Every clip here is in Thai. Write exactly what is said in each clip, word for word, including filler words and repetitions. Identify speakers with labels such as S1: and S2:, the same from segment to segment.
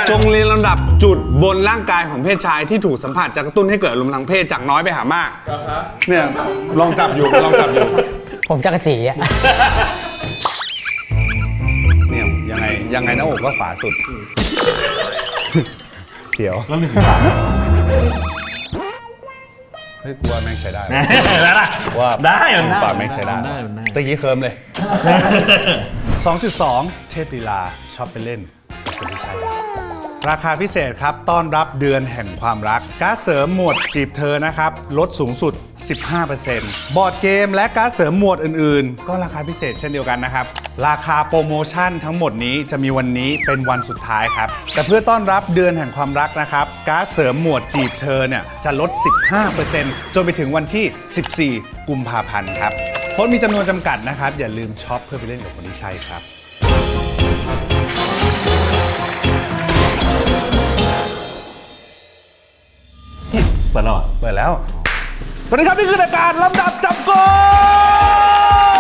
S1: จงเรียงลำดับจุดบนร่างกายของเพศชายที่ถูกสัมผัสจะกระตุ้นให้เกิดอารมณ์ทางเพศจากน้อยไปหามากเนี่ยลองจับอยู่ลองจับอยู่
S2: ผมจักรจีอ่ะ
S1: เนี่ยยังไงยังไงหน้าอกก็ขวาสุดเสียวแล้วมีสีขาวเฮ้ยกลัวแม่งใช้ได้
S3: แล้วล่ะ
S1: ว่า
S3: ได้
S1: ปากแม่งใช้ได้ตะกี้เคิร์มเลย สองจุดสอง เทพลีลาชอบไปเล่นคนที่ใช่ราคาพิเศษครับต้อนรับเดือนแห่งความรักการ์ดเสริมหมวดจีบเธอนะครับลดสูงสุด สิบห้าเปอร์เซ็นต์ บอร์ดเกมและการ์ดเสริมหมวดอื่นๆก็ราคาพิเศษเช่นเดียวกันนะครับราคาโปรโมชั่นทั้งหมดนี้จะมีวันนี้เป็นวันสุดท้ายครับแต่เพื่อต้อนรับเดือนแห่งความรักนะครับการ์ดเสริมหมวดจีบเธอเนี่ยจะลด สิบห้าเปอร์เซ็นต์ จนไปถึงวันที่ สิบสี่ กุมภาพันธ์ครับโค้ดมีจำนวนจำกัดนะครับอย่าลืมช็อปเพื่อไปเล่นกับคนที่ใช่ครับ
S3: เปิดแล้วเหรอ
S1: เปิดแล้ว
S3: สวัสดีครับนี่คือรายการลำดับจับโกง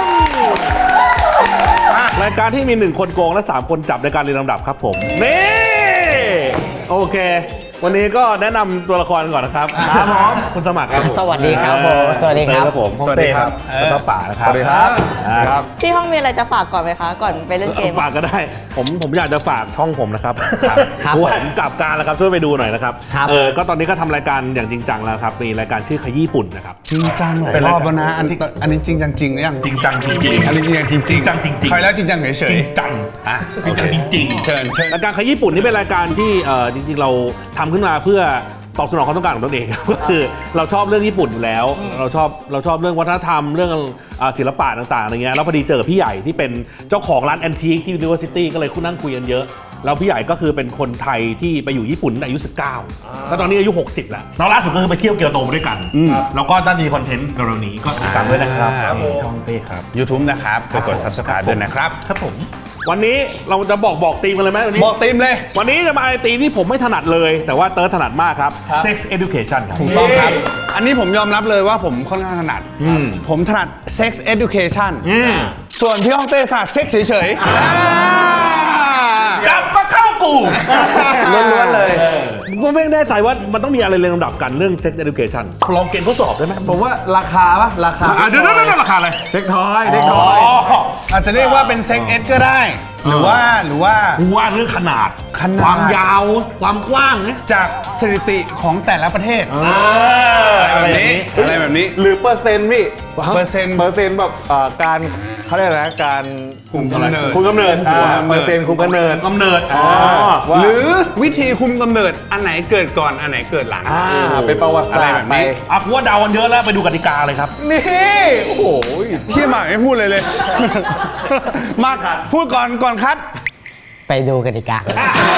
S3: รายการที่มีหนึ่งคนโกงและสามคนจับในการเรียงลำดับครับผมนี่โอเควันนี้ก็แนะนำตัวละครก่อนนะครับครับผมคุณสมัครครับ
S2: สวัสดีครับผมสวัสดีครับ
S3: ผมสวัสดีครับแล้วก็ป่านะครับสวัสดีครับครับ
S4: ที่ห้องมีอะไรจะฝากก่อนไหมคะก่อนไปเล่นเกม
S3: ฝากก็ได้ผมผมอยากจะฝากช่องผมนะครับผมกลับการแล้วครับช่วยไปดูหน่อยนะครับเออก็ตอนนี้ก็ทำรายการอย่างจริงจังแล้วครับมีรายการชื่อขยี้ฝุ่นนะครับ
S1: จริงจังหลายรอบแล้วนะอันอันนี้จริงจังจริงหรือยัง
S3: จริงจังจริงๆ
S1: อันนี้จริงจังจริงจริง
S3: จังจริง
S1: ใครแล้วจริงจังเฉยเฉย
S3: จริงจัง
S1: อ่ะ
S3: จริงจังจริง
S1: เชิญเชิญ
S3: รายการขยี้ฝุ่นนี่เป็นรายการที่เออจริงๆเราทำขึ้นมาเพื่อตอบสนองความต้องการของตนเองก็คือเราชอบเรื่องญี่ปุ่นอยู่แล้วเราชอบเราชอบเรื่องวัฒนธรรมเรื่องศิลปะต่างๆอะไรเงี้ยแล้วพอดีเจอพี่ใหญ่ที่เป็นเจ้าของร้านแอนทีคที่ University ก็เลยคุยนั่งคุยกันเยอะแล้วพี่ใหญ่ก็คือเป็นคนไทยที่ไปอยู่ญี่ปุ่นตั้งแต่อายุสิบเก้าแล้วตอนนี้อายุหกสิบแล้วแล้วล่าสุดก็คือไปเที่ยวเกียวโตมาด้วยกันแล้วก็ตั้งใจคอนเทนต์เร็วๆนี้ก็ติดตามด้วยนะครับช่องเต้ครับ
S1: YouTube นะครับกดกด Subscribe ด้วยนะครับ
S3: ครับผมวันนี้เราจะบอกบอกธีมกันเลยไหมวันนี้
S1: บอกธีมเลย
S3: วันนี้จะมาไอธีมที่ผมไม่ถนัดเลยแต่ว่าเติร์ดถนัดมากครับ Sex Education ครับ
S1: ถูกต้องครับอันนี้ผมยอมรับเลยว่าผมค่อนข้างถนัดผมถนัด Sex Education ส่วนพี่ฮ่องเต้ถนัด Sex เฉยๆ
S3: กลับมาเข้ากูล้วนๆเลยผมไม่แน่ใจว่ามันต้องมีอะไรเรียงลำดับกันเรื่อง Sex Education ลองเกณฑ์ทดสอบได้ไหม
S5: ผมว่าราคาปะราคา
S3: เดี๋ยวเดี๋ยวราคาอะไร
S5: เซ็กทอยเซ็กทอย
S1: อาจจะเรียกว่าเป็น Sex Ed ก็ได้หรือว่าหรือว่า
S3: ว่าเรื่องขนาดความยาวความกว้างเนี่ย
S1: จากสถิติของแต่ละประเทศอะไรแบบนี้อะไรแบบนี้
S5: หรือเปอร์เซ็นต์พี่
S1: เปอร์เซ็นต์
S5: เปอร์เซ็นต์แบบการเขาเรียกอะไรนะการ
S1: คุมกำเนิด
S5: คุมกำเนิดเปอร์เซ็นต์คุมกำเนิด
S3: กำเนิด
S1: หรือวิธีคุมกำเนิดอันไหนเกิดก่อนอันไหนเกิดหลัง
S5: เป็นประวัติศาสตร์ไป
S3: อ่ะว่าเดากันเยอะแล้วไปดูกติกาเลยครับ
S5: นี่โอ้โห
S1: เชี่ยมากไม่พูดเลยเลยมากพูดก่อนก่อนคัด
S2: ไปดูกติกา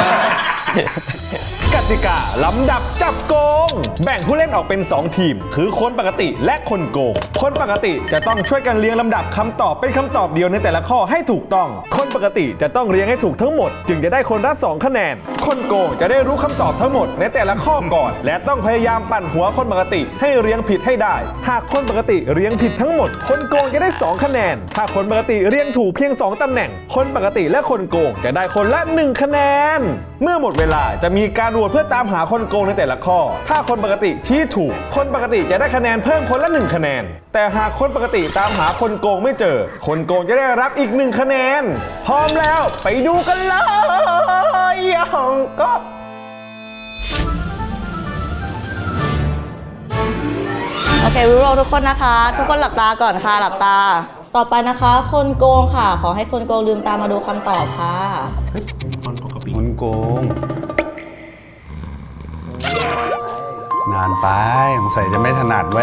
S5: กติกาลำดับจับโกงแบ่งผู้เล่นออกเป็นสองทีมคือคนปกติและคนโกงคนปกติจะต้องช่วยกันเรียงลำดับคำตอบเป็นคำตอบเดียวในแต่ละข้อให้ถูกต้องคนปกติจะต้องเรียงให้ถูกทั้งหมดจึงจะได้คนละสองคะแนนคนโกงจะได้รู้คำตอบทั้งหมดในแต่ละข้อก่อนและต้องพยายามปั่นหัวคนปกติให้เรียงผิดให้ได้หากคนปกติเรียงผิดทั้งหมดคนโกงจะได้สองคะแนนถ้าคนปกติเรียงถูกเพียงสองตำแหน่งคนปกติและคนโกงจะได้คนละหนึ่งคะแนนเมื่อหมดเวลาจะมีการโหวตเพื่อตามหาคนโกงในแต่ละข้อถ้าคนปกติชี้ถูกคนปกติจะได้คะแนนเพิ่มคนละหนึ่งคะแนนแต่หากคนปกติตามหาคนโกงไม่เจอคนโกงจะได้รับอีกหนึ่งคะแนนพร้อมแล้วไปดูกันเลยยังก็
S4: โอเครู้เราทุกคนนะคะทุกคนหลับตาก่อนค่ะหลับตาต่อไปนะคะคนโกงค่ะขอให้คนโกงลืมตามาดูคำตอบค่ะ
S1: คนโกงนานไปสงสัยจะไม่ถนัดไว้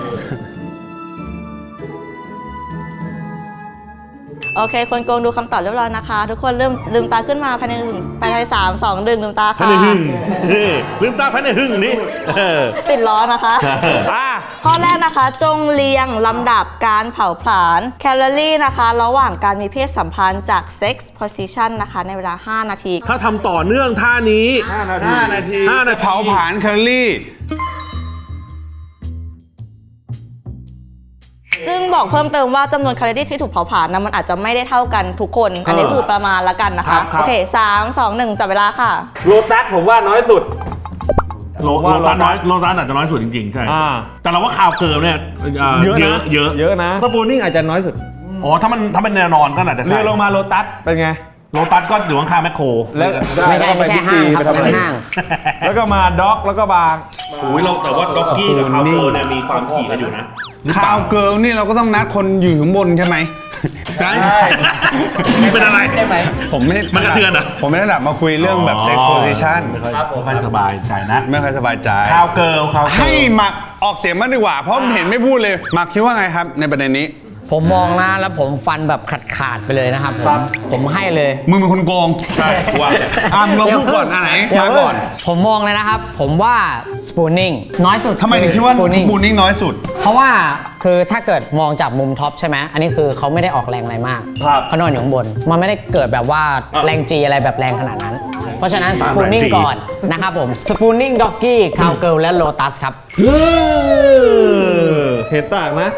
S4: โอเคคนโกงดูคำตอบเรียบร้อยนะคะทุกคนเริ่มลืมตาขึ้นมาภายในหนึ่งภายในสามสองหนึ่งลืมตาค่ะ
S3: ภายในหึ่งลืมตาภายในหึ่งนี่
S4: ติดล้อนะคะข้อแรกนะคะจงเรียงลำดับการเผาผลาญแคลอรี่นะคะระหว่างการมีเพศสัมพันธ์จาก sex position นะคะในเวลาห้านาที
S3: ถ้าทำต่อเนื่องท่านี้
S1: ห้านาทีห้านาทีเผาผลาญแคลอรี่
S4: ซึ่งบอกเพิ่มเติมว่าจำนวนแคลอรี่ที่ถูกเผาผลาญนะมันอาจจะไม่ได้เท่ากันทุกคน อันนี้คือประมาณละกันนะ
S3: ครั
S4: คะ
S3: บครับ
S4: โอเคสามสองหนึ่งจับเวลาค่ะ
S5: โลตัสผมว่าน้อยสุด
S3: โล
S5: ผมว่า
S3: โลตัสน้อย
S5: โลตัส
S3: โลตัสอาจจะน้อยสุดจริงๆใช่
S5: อ่า
S3: แต่เราว่าข่าวเกิร์ลเนี่ยเอ่อ
S5: เยอะนะ
S3: เยอะ
S5: เยอะนะสปูนิ่งอาจจะน้อยสุด
S3: อ๋อถ้ามันถ้าเป็นแนวนอนก็อาจจะ
S5: เรือ
S3: ใช่
S5: ลงมาโลตัสเป็นไง
S3: โลตัสก็อยู่ข้างๆแมคโคร
S5: แล้ว
S2: ไม่ใช่ไม่ใช่ห้างครับเป็นห้าง
S5: แล้วก็มาด็อกแล้วก็บาง
S3: โอ้ยเราแต่ว่าด็อกกี้กับข่าวเกิร์ลเนี่ยมีความขี่กันอยู่นะ
S1: คาวเกิร์ลนี่เราก็ต้องนัดคนอยู่ข้างบนใช่ไหม
S3: ใช่เป็นอะไร
S2: ได้ไหม
S1: ผมไม่
S3: มันกระเทือนเหรอ
S1: ผมไม่ได้หลับมาคุยเรื่องแบบ sex position
S3: ไม่ค่อยไม่ค่อยสบายใจนะ
S1: ไม่ค่อยสบายใจ
S3: ข่าวเกิร์ลข่าวเกิร์ล
S1: ให้หมักออกเสียงมากดีกว่า เพราะเห็นไม่พูดเลยหมักคิดว่าไงครับในประเด็นนี้
S2: ผมมองนะแล้วผมฟันแบบขาดขาดๆไปเลยนะครับผมผมให้เลย
S1: มึงเป็นคนโกง
S3: ใช่ว่า
S1: อ่ะมึงลองพูดก่อนอันไหน
S2: เดี๋ยว
S1: มาก่อน
S2: ผมมองเลยนะครับ ผมว่า spooning น้อยสุด
S1: ทำไมถึงคิดว่า
S2: spooning
S1: บูนิ่งน้อยสุด
S2: เพราะว่าคือถ้าเกิดมองจากมุมท็อปใช่ไหมอันนี้คือเขาไม่ได้ออกแรงอะไรมาก
S5: ครับ
S2: เขานอนอยู่ข้างบน มันไม่ได้เกิดแบบว่าแรงจีอะไรแบบแรงขนาดนั้น เพราะฉะนั้น spooning ก่อนนะครับผม spooning doggy cowgirl และ lotus ครับ
S5: เออเห็นต่างนะ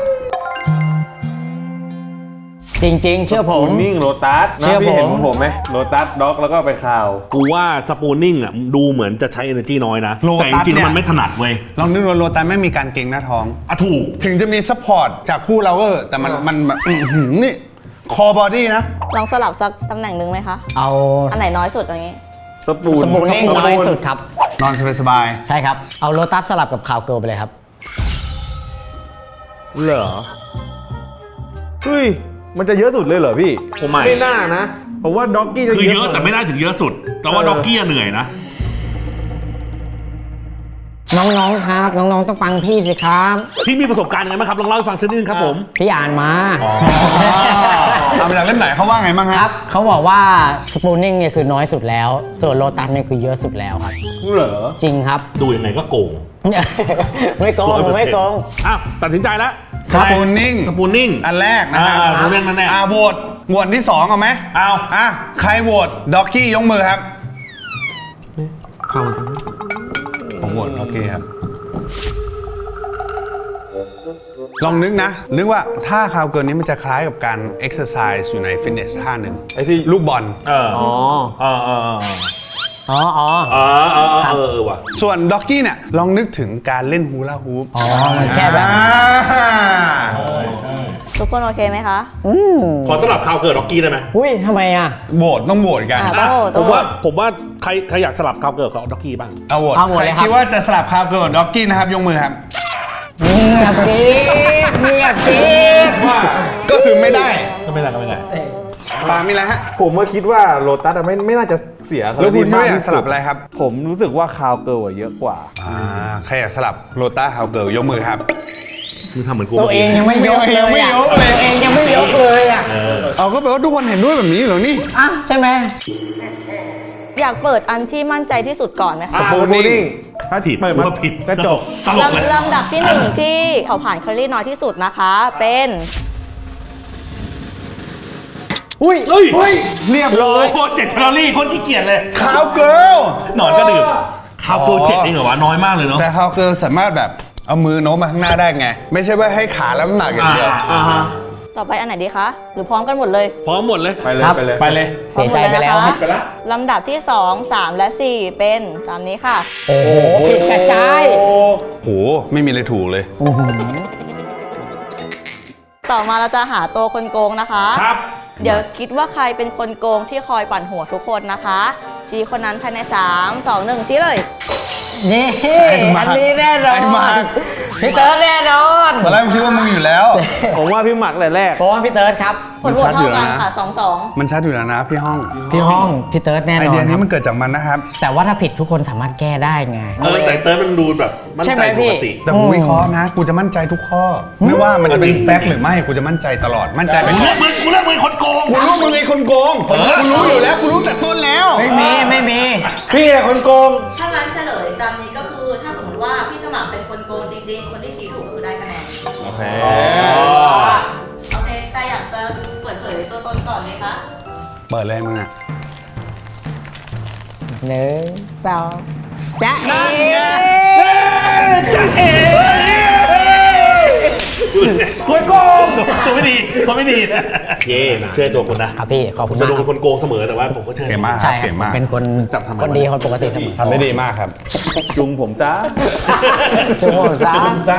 S2: จริงๆ เชื่อผม
S5: สปูนิ่งโลตัส
S2: เชื่อ
S5: พี่เห็น
S2: ผม
S5: ของผมไหมโลตัสด็อกแล้วก็ไปข่าว
S3: กูว่าสปูนิ่งอ่ะดูเหมือนจะใช้ energy น้อยนะ
S1: Lotus
S3: แต่จริง
S1: เนี่ย
S3: ๆมันไม่ถนัดเว้ย
S1: ลองนึกดูโรตันไม่มีการเก่งหน้าท้อง
S3: อ่ะถูก
S1: ถึงจะมีซัพพอร์ตจากคู่เราเวอร์แต่มันมันแบบอื้อหือนี่คอบอดี้นะ
S4: ลองสลับสักตำแหน่งหนึ่งไหมคะ
S2: เอา
S4: อันไหนน้อยสุดอย่างนี้
S5: สปูน
S2: spooning น้อยสุดครับ
S1: นอนสบาย
S2: ใช่ครับ เอา lotus สลับกับ cowgirl ไปเลยครับ
S5: เหรอเฮ้ยมันจะเยอะสุดเลยเหรอพี่
S3: ผมไม่
S5: ไม่น่านะผมว่าด็อกกี้จะ
S3: คือเยอะ
S5: กว่า
S3: แต่ไม่ได้ถึงเยอะสุด แต่ว่า
S5: เออ
S3: ด็อกกี้เหนื่อยนะ
S2: น้องๆ ครับ น้องๆ ต้องฟังพี่สิครับ
S3: พี่มีประสบการณ์ยังไงบ้างครับลองเล่าให้ฟังสักนิดนึงครับผม
S2: พี่อ่านมา
S1: ๆเอาไปจากเล่มไหนเขาว่าไงบ้าง
S2: ค
S1: ฮะ
S2: รับ เขาบอกว่า spooning เนี่ยคือน้อยสุดแล้ว ส่วน lotus เนี่ยคือเยอะสุดแล้วครับ
S5: เหรอ
S2: จริงครับ
S3: ดูยังไงก็โกง
S2: ไม่โกงไม่โกง
S3: อ้าวตัดสินใจแล้ว
S1: สปูนนิ่ง
S3: สปูนิ่ง
S1: อันแรกนะครับ
S3: อ่ารู้เรื่องนั้นแน่
S1: อ่าโหวตโหวตที่สองเอาไหม
S3: เอา
S1: อ่ะใครโหวตด็อกกี้ยกมือครับผมโหวตด็อกกี้ครับ ลองนึกนะ นึกว่าท่าคาวเกินนี้มันจะคล้ายกับการเอ็กซ์ไซส์อยู่ในฟิตเนสท่าหนึ่ง
S5: ไอ้ที่
S1: ลูกบอล
S3: เออ
S5: อ๋อ
S3: เออเออเออ
S2: อ๋ออ๋อ
S3: เออเออเออเออว่ะ
S1: ส่วนด็อกกี้เนี่ยลองนึกถึงการเล่นฮูลาฮูป
S2: อ๋อ มันแค่แบบ
S1: อ่า
S4: ทุกคนโอเคไหมคะ
S2: อืม
S3: ขอสลับข่าวเกิดด็อกกี้ได้ไหม
S2: อุ้ยทำไมอ่ะ
S1: โหวตต้องโหวตกัน
S4: อ่ะ
S3: อ่ะ
S4: โต้โต้
S3: ผมว่าผมว่าใครใครอยากสลับข่าวเกิดกับด็อกกี้บ้าง
S1: เอาโหวต
S2: เอาโหวต
S1: ใคร
S2: เลยครับ
S1: คิดว่าจะสลับคาวเกินด็อกกี้นะครับยกมือครับ
S2: เงียบดิเงียบดิ
S1: ว่าก็คือไม่ได้
S3: ก็ไม่ได้ก็ไม่ได้
S1: ปามีอะไรฮะ
S5: ผมว่าคิดว่าโลตัสอะไม่ไม่น่าจะเสีย
S1: แล้วคุณ
S5: มาก
S1: ไม่อยาก
S5: ที่
S1: สลับอะไรครับ
S5: ผมรู้สึกว่าคาวเกิลอะเยอะกว่า
S1: อ่าใครอยากสลับโรต้าคาวเกิลยกมือครับ
S3: มึงทำเหมือนกู
S2: ตัวเองยังไม่ยกเลย
S1: ยังไม่
S2: อ่ะ
S1: ยกเลย
S2: ตัวเองยังไม่ยกเลยอ่ะ
S1: เอาก็แปลว่าทุกคนเห็นด้วยแบบนี้เหรอนี่
S2: อ่ะใช่ไหม
S4: อยากเปิดอันที่มั่นใจที่สุดก่อนไหม
S1: ส
S4: คะ
S1: ปูนิ่ง
S3: ถ้าผิด
S5: ไม่
S3: กูว่าผิด
S5: กระจก
S3: ตลกเลย
S4: ลำลำดับที่หนึ่งที่เผาผ่านแคลอรี่น้อยที่สุดนะคะ เป็น
S2: อุ้ย
S3: เฮ้ย
S1: เฮ้ยเรียบร้อย
S3: โอ้เจ็ดแคลอรี่คนขี้เกียจเลย
S1: คาวเกิล
S3: หนอนก็ดื่มข่าวเกิลเจ็ดเองเหรอวะน้อยมากเลยเนาะ
S1: แต่คาวเกิลสามารถแบบเอามือโน้มมาข้างหน้าได้ไง ไม่ใช่ว่าให้ขาแล้วน้ำหนักอย่างเดียว
S3: อ่าฮะ
S4: ต่อไปอันไหนดีคะ หรือพร้อมกันหมดเลย
S3: พร้อมหมดเลย
S5: ไปเลย
S2: ครับ
S5: ไปเลย
S1: ไปเลย
S2: เสียใจไปแล้ว
S4: พร้อมหมด
S3: ไป
S4: เย
S3: ละ
S4: นะคะลำดับที่สอง สาม และ สี่ เป็นตามนี้ค่ะ
S2: โอ้โหผิดกระจาย
S1: โหไม่มีอะไรถูกเลย
S2: อื้อหือ
S4: ต่อมาเราจะหาตัวคนโกงนะคะ
S3: ครับ
S4: เดี๋ยวคิดว่าใครเป็นคนโกงที่คอยปั่นหัวทุกคนนะคะ ชี้คนนั้นภายใน สาม สอง หนึ่ง ชี้เลย
S2: นี่
S1: ไอ้มาร์ค
S2: อันนี้แน่นอน
S1: ไอ้มาร์ค
S2: พี่เติร์ดแน่นอน
S1: ตอนแรกผมคิดว่ามึงอยู่แล้ว
S5: ผมว่าพี่หมักแต่แรก
S2: เพราะว่าพี่เติร์ดครับ
S4: ผลโหวตเท่ากันค่ะ สอง สอง
S1: มันชัดอยู่แล้วนะพี่ห้อง
S2: พี่ห้องพี่เติร์ดแน่น
S1: ไอ
S2: อน
S1: เดีย
S2: ค
S1: นี้
S2: รับ
S1: มันเกิดจากมันนะครับ
S2: แต่ว่าถ้าผิดทุกคนสามารถแก้ได้ไง
S3: เออแต่เติร์ดมันดูแบบมั่น
S2: ใช่
S3: ใจ
S2: ไหมพี่
S3: ปกติ
S1: แต่กูวิเคราะห์นะ กูจะมั่นใจทุกข้อ ไม่ว่ามันจะเป็นแฟกต์หรือไม่ กูจะมั่นใจตลอด มั่นใจไป
S3: กู
S1: ก่
S3: เลื
S1: อ
S3: อน กมึงกูเลือกมึงคนโกง
S1: กูรู้มึงไอ้คนโกง กูรู้อยู่แล้ว กูรู้แต่ต้นแล้ว
S2: ไม่มีไม่มี
S5: พี่แหละคนโกง
S4: ถ้างั้นเฉลยตามนี้ก็คือ ถ้าสมมติว่าพี่สมัครเป็นคนโกงจริงๆ คนที่ชี้ถูกก็คือได้คะแนน
S5: โอเค
S4: โอเคใครอยากจะเปิดเผยตัวตนก่อนไหมคะ
S1: เปิดเลยมึงอ่ะ
S2: หนึ่งสองจ้าเอ๋
S3: ดูคนโกงตัวไม่ดีคนไม่ดีนะเย่เชื่อตัวคนนะครับ
S2: พี่ขอบคุณ
S3: จะ
S2: มาก
S3: โดน
S2: ครับ
S3: คนโกงเสมอแต่ว่าผมก็เชื่อ
S1: เก่งมากค
S2: ใช่
S1: รับ
S2: ครั
S1: เก่
S2: บ
S1: งมาก
S2: เป็นคน
S3: จับทำไม
S2: คนดีคนปกติเสมอ
S1: ทำได้ดีมากครับ
S5: จุงผมซะ
S2: จุ๊บผมซะ
S5: ซะ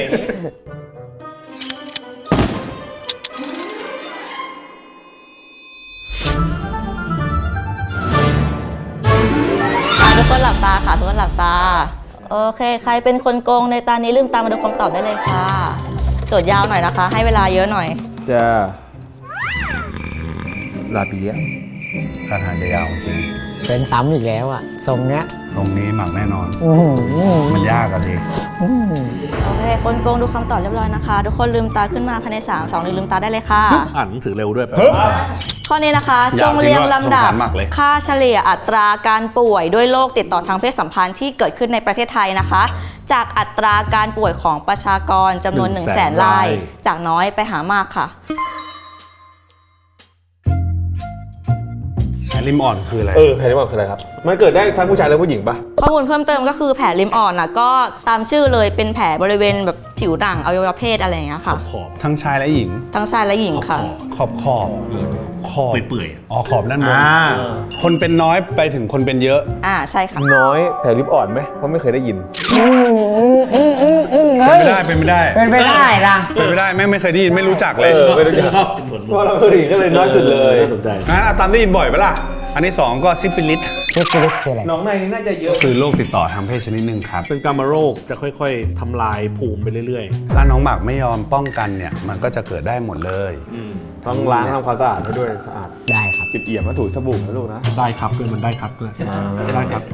S4: อ่ะทุกคนหลับตาค่ะทุกคนหลับตา โอเค ใครเป็นคนโกงในตานี้ลืมตามาดูคำตอบได้เลยค่ะโจทย์ยาวหน่อยนะคะ ให้เวลาเยอะหน่อย
S5: จะลาเปีย
S1: ท่าทางจะยาวจริง
S2: เป็นซ้ำอีกแล้วอ่ะทรงเนี้ย
S1: ตรงนี้หมักแน่นอน
S2: อื้อหือ
S1: มันยากอะดิ
S4: โอเค คนโกงดูคำตอบเรียบร้อยนะคะ ทุกคนลืมตาขึ้นมาภายในสามสองหนึ่งลืมตาได้เลยค่ะ
S3: อ่านหนังสือเร็วด้วยแปล
S1: ฮึบ
S3: ว่า
S4: ข้อนี้นะคะ
S1: อ
S4: จ
S1: ยาก
S4: งเรียงลำดับ
S1: สงสารมากเลย
S4: ค่าเฉลี่ยอัตราการป่วยด้วยโรคติดต่อทางเพศสัมพันธ์ที่เกิดขึ้นในประเทศไทยนะคะ จากอัตราการป่วยของประชากรจำนวน 1 0 0 0 0แสนราย จากน้อยไปหามากค่ะ
S1: แผลริมอ่อนคืออะไร
S5: เออแผลริมอ่อนคืออะไรครับ มันเกิดได้ทั้งผู้ชายและผู้หญิงปะ
S4: ข้อมูลเพิ่มเติมก็คือแผลริมอ่อนนะก็ตามชื่อเลยเป็นแผลบริเวณแบบผิวหนังอวัยวะเพศอะไรอย่างเงี้ยค่ะ
S3: ขอบ
S1: ทั้งชายและหญิง
S4: ทั้งชายและหญิงค่ะ
S1: ขอบขอบขอบ
S3: เปื่อยๆอะ
S1: อ๋อขอบด้านบน
S5: อ่า
S1: คนเป็นน้อยไปถึงคนเป็นเยอะ
S4: อ่าใช่ค่ะ
S5: น้อยแผลริมอ่อนไหมเพราะไม่เคยได้ยิน
S1: เป็นไม่ได้เป็นไม่ได้
S2: เป็นไปได้นะ
S1: เป็นไม่ได้แม่งไม่เคยได้ยินไม่รู้จักเลย
S5: เออไม่รู้จัก
S3: ชอบเป็นผล
S5: เพราะเราผู้หญิงก็เลยน้อยสุดเลย
S3: น่าสนใจ
S1: งั้นเอาตามได้ยินบ่อยปะล่ะ อันที่สองก็ซิฟิลิส
S2: ซิฟิลิสคืออะไร
S5: น้องในนี่น่าจะเยอะ
S1: คือโรคติดต่อทางเพศชนิดหนึ่งครับ
S3: เป็นกามโรคจะค่อยๆทำลายภูมิไปเรื่อย
S1: ถ้าน้องหมากไม่ยอมป้องกันเนี่ย มันก็จะเกิดได้หมดเลย
S5: ต้องล้างทำความสะอาดให้ด้วยสะอาด
S2: ได้ครับ
S5: จิบเอี่ยมมาถูสบู่นะลูกนะ
S3: ๆ ได้ครับด้วยมันได้ครับด้วยได้ครับ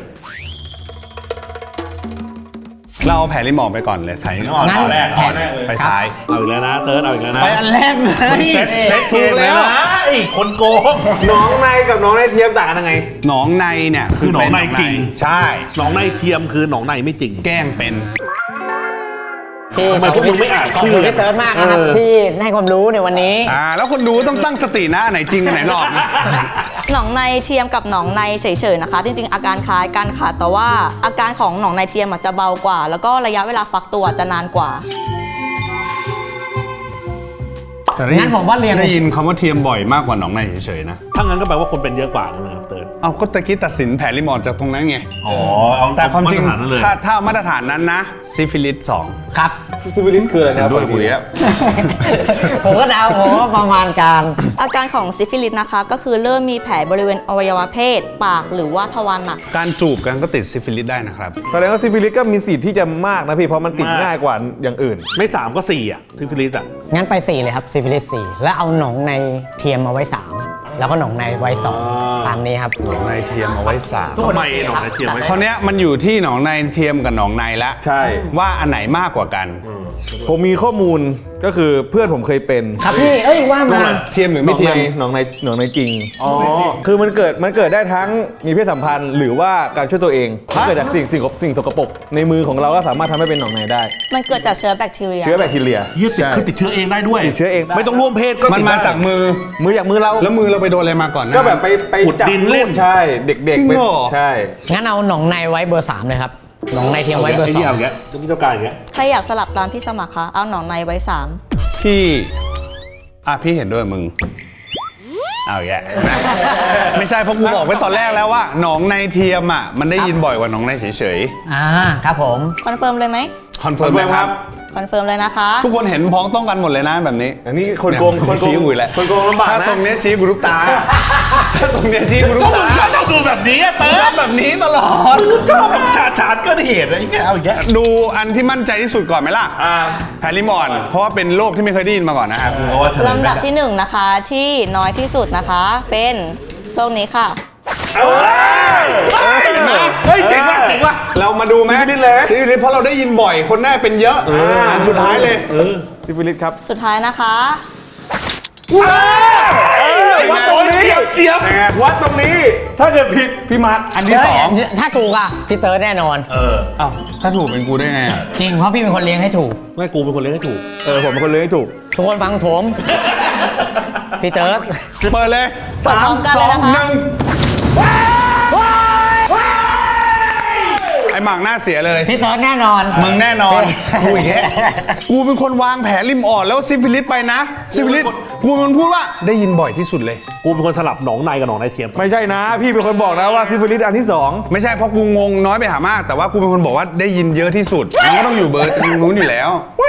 S1: เราเอาแผลริมอ่อนไปก่อนเลยไถ
S3: ริมอ่อน
S2: งั้น
S3: เอาแรก
S2: แผน
S3: เอาแรกเลย
S1: ไปซ้าย
S3: เอาอีกแล้วนะเติร์ดเอาอีกแล้วนะ
S1: ไปอันแรกไง
S3: เซ็ตเซ็ต
S1: ถูกแล้ว
S3: ไอ้คนโกง
S5: น้องในกับน้องในเทียมต่างกันยังไง
S1: หนองในเนี่ย
S3: คือหนองในจริง
S1: ใช่
S3: หนองในเทียมคือหนองในไม่จริง
S1: แกล้งเป็น
S2: ที่
S3: ทำไมพวกมึงไม่อ่าน
S2: ขอบ
S3: ชื่
S2: คุ
S3: อ
S2: ณพี่เติร์ดมากนะครับ
S3: เออ
S2: ที่ให้ความรู้ในวันนี้
S1: อ่า แล้วคนดูต้องตั้งสตินะอันไหนจริงอันไหนหลอกนะ
S4: หนองในเทียมกับหนองในเฉยๆนะคะ จริงๆ อาการคล้ายกันค่ะ แต่ว่าอาการของหนองในเทียมอาจจะเบากว่า แล้วก็ระยะเวลาฟักตัวจะนานกว่า
S1: แต่ได้ยิ
S2: งั้นผมว่าเรียน
S1: ได้ยินคำว่าเทียมบ่อยมากกว่าหนองในเฉยๆนะ
S3: ถ้างั้นก็แปลว่าคนเป็นเยอะกว่ากันเลยครับเติร์ด
S1: เอาก็ตะกี้ตัดสินแผลริมอ่อนจากตรงนั้นไง
S3: อ๋อเอา
S1: แต่ความจริง
S3: มตฐนนั้นเลย
S1: ถ้าถ้ามาตรฐานนั้นนะซิฟิลิสสอง
S2: ครับ
S5: ซิฟิลิสคืออะไรนะครับ
S1: ด้วยกูแล้ว
S2: ผมก็เดาผมว่าประมาณการ
S4: อาการของซิฟิลิสนะคะ ก็คือเริ่มมีแผลบริเวณอวัยวะเพศ ปากหรือว่าทวารหนัก
S1: การจูบกันก็ติดซิฟิลิสได้นะครับ
S5: แสดงว่าซิฟิลิสก็มีสิทธิ์ที่จะมากนะพี่ เพราะมันติดง่ายกว่าอย่างอื่น
S3: ไม่สามก็สี่อ่ะซิฟิลิสอ่ะ
S2: งั้นไปสี่เลยครับซิฟิลิสสี่แล้วเอาหนองในเทียมมาไว้สามแล้วก็หนองในไว้สอง
S3: อ่า
S2: ตามนี้ครับ
S1: หนองในเทียมเอาไว้สาม
S3: ทำไมหนองในเทียมไว้
S1: คราวเนี้ยมันอยู่ที่หนองในเทียมกับหนองในละ
S5: ใช่
S1: ว่าอันไหนมากกว่ากัน
S5: ผมมีข้อมูลก็คือเพื่อนผมเคยเป็น
S2: ครับพี่ เอ้ยว่ามา
S1: เทียมหรือไม่เทียม
S5: หนองในหนองในจริง อ๋อ คือมันเกิดมันเกิดได้ทั้งมีเพศสัมพันธ์หรือว่าการช่วยตัวเองเกิดจากสิ่งสิ่งสิ่งสกปรกในมือของเราก็สามารถทำให้เป็นหนองในได้
S4: มันเกิดจากเชื้อแบคทีเรีย
S5: เชื้อแบคทีเรีย
S3: เฮียติดคือติดเชื้อเองได้ด้วย
S5: ติดเชื้อเองได้
S3: ไม่ต้องร่วมเพศก็
S1: มัน
S3: ติด
S1: มา
S3: ได้
S1: จากมือ
S5: มือจากมือเรา
S1: แล้วมือเราไปโดนอะไรมาก่อนนะ
S5: ก็แบบไปไป
S3: ขุด
S5: จับ
S3: ดินเล่น
S5: ใช่ เด็ก
S1: จริ
S5: ๆ
S1: ง
S5: ไป
S1: เหรอ
S5: ใช่
S2: งั้นเอาหนองในไว้เบอร์สามเลยครับหนองในเทียมไว้เบอร์
S3: ไอ้
S2: สอ
S3: นี่
S2: ง
S3: เอาอย่างเงี้ยจะมีเจ้าการอย่างเงี้ย
S4: ใครอยากสลับตามพี่สมัครคะเอาหนองในไว้สาม
S1: พี่ อ่ะพี่เห็นด้วยมึง เอาแย่างเงี้ยไม่ใช่เพราะกูบอกไว้ตอนแรกแล้วว่าหนองในเทียมอ่ะมันได้ยินบ่อยกว่าหนองในเฉย
S2: อ่าครับผม
S4: คอนเฟิร์มเลยไหม
S1: ๆคอนเฟิร์มไหมครับ
S4: คอนเฟิร์มเลยนะคะ
S1: ทุกคนเห็นพ้องต้องกันหมดเลยนะแบบนี้
S5: อันนี้คนโกง
S1: เย
S5: คนโกง
S1: ชี้กูอีกแล้ว
S5: คนโกงลำบาก
S1: ถ้า
S5: นะ
S1: ทรงเนี้ยชี้กูทุกตา ถ้าทรงเนี้ยชี้กูทุกตา
S3: ก็ต้องดูแบบนี้อะเติร์ด
S1: ทำแบบนี้ตลอด
S3: ชอบแบบฉาดฉาดก็เหตุอะไรอย่างเงี้ยเอาอย่างเงี้ย
S1: ดูอันที่มั่นใจที่สุดก่อนไหมล่ะ
S5: อ่า
S1: แพริมอน เพราะว่าเป็นโรคที่ไม่เคยได้ยินมาก่อนนะครับ
S4: ลำดับที่หนึ่งนะคะที่น้อยที่สุดนะคะ เป็นโรคนี้ค่ะ
S3: เฮ้ยเจ๋งว่ะเจ๋งว่ะ
S1: เรามาดูไหม
S5: ซิฟิลิสเลยไหม
S1: ซิฟิลิสเพราะเราได้ยินบ่อย คนหน้าเป็นเยอะอันสุดท้ายเลย
S5: ซิฟิลิสครับ
S4: สุดท้ายนะคะ
S5: วัดตรงนี้
S3: เฉียบเฉียบ
S1: เป็นไง
S5: วัดตรงนี้ ถ้าเกิดผิดพี่มาร์ค
S1: อันที่สอง
S2: เฮ้ยถ้าถูกอ่ะพี่เติร์ดแน่นอน
S3: เออ
S1: อ้าวถ้าถูกเป็นกูได้ไงอ่ะ
S2: จริงเพราะพี่เป็นคนเลี้ยงให้ถูก
S3: ไม่กูเป็นคนเลี้ยงให้ถูก
S5: เออ ผมเป็นคนเลี้ยงให้ถูก
S2: ทุกคนฟังผม พี่เติร์ด
S1: เปิดเลยสา
S4: พร้
S1: ม
S4: อมกัน
S1: ส
S4: เล
S1: อย ง
S4: นะคะ
S1: หนึ่งไอ้หมักหน้าเสียเลย
S2: พี่เติร์ดแน่นอน
S1: มึงแน่นอนกูอีกแค่กูเป็นคนวางแผนริมอ่อนแล้วซิฟิลิสไปนะซิฟิลิสกูเป็นคนพูดว่าได้ยินบ่อยที่สุดเลย
S3: กูเป็นคนสลับหนองในกับหนองในเทียม
S5: ไม่ใช่นะ พี่เป็นคนบอกนะว่าซิฟิลิสอันที่สอง
S1: ไม่ใช่เพราะกูงงน้อยไปหามาก แต่ว่ากูเป็นคนบอกว่าได้ยินเยอะที่สุดมันก็ต้องอยู่เบอร์นู้นอยู่แล้ว